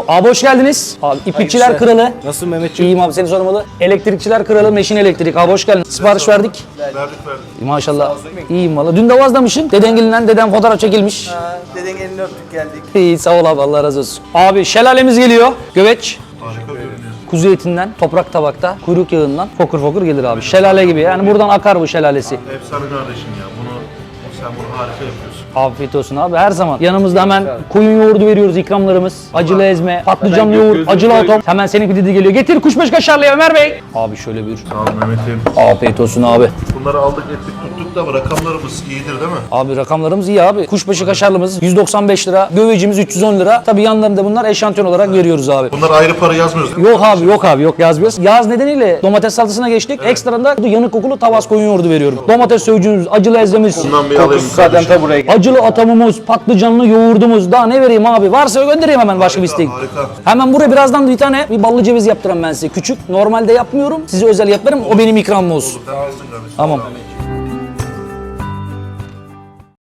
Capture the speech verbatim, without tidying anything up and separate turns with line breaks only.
Abi hoş geldiniz. Abi iplikçiler kralı.
Nasılsın Mehmetciğim?
İyiyim abi, seni sormalı. Elektrikçiler kralı Meşin Elektrik. Abi hoş geldin. Sipariş verdik.
Verdik verdik.
Maşallah. İyiyim valla. Dün de vazlamışsın. Dedengilinden deden fotoğraf çekilmiş.
Ha, deden elini öptük geldik.
İyi, sağ ol abi, Allah razı olsun. Abi şelalemiz geliyor. Göveç.
Harika görünüyor.
Kuzu etinden, toprak tabakta, kuyruk yağından fokur fokur gelir abi. Şelale gibi. Yani buradan akar bu şelalesi.
Efsane kardeşim ya. Bunu sen bunu harika yapıyorsun.
Afiyet olsun abi, her zaman. Yanımızda hemen koyun yoğurdu veriyoruz, ikramlarımız. Acılı ezme, patlıcanlı yoğurt, acılı atom. Hemen senin pididi geliyor. Getir kuşbaşı kaşarlı Ömer Bey. Abi şöyle buyur.
Sağ ol Mehmet'im.
Afiyet olsun abi.
Bunları aldık ettik tuttuk da rakamlarımız iyidir değil mi?
Abi rakamlarımız iyi abi. Kuşbaşı kaşarlımız yüz doksan beş lira, gövecimiz üç yüz on lira. Tabii yanlarında bunlar eşantiyon olarak veriyoruz abi.
Bunlar ayrı para yazmıyoruz değil mi?
Yok abi, yok abi, yok yazmıyoruz. Yaz nedeniyle domates salatasına geçtik. Ekstradan da yanık kokulu tavas koyun yoğurdu veriyorum. Domates sövcüğümüz, acılı ezmemiz,
Bundan bir alayım
Zaten
kardeşim.
ta buraya geldi.
acılı atamımız, patlıcanlı yoğurdumuz. Daha ne vereyim abi? Varsa göndereyim hemen, başka bir isteğin.
Harika.
Hemen buraya birazdan bir tane bir ballı ceviz yaptıram ben size. Küçük. Normalde yapmıyorum. Size özel yaparım. O benim ikramım olsun.
Sen alsın kardeşim.
Tamam.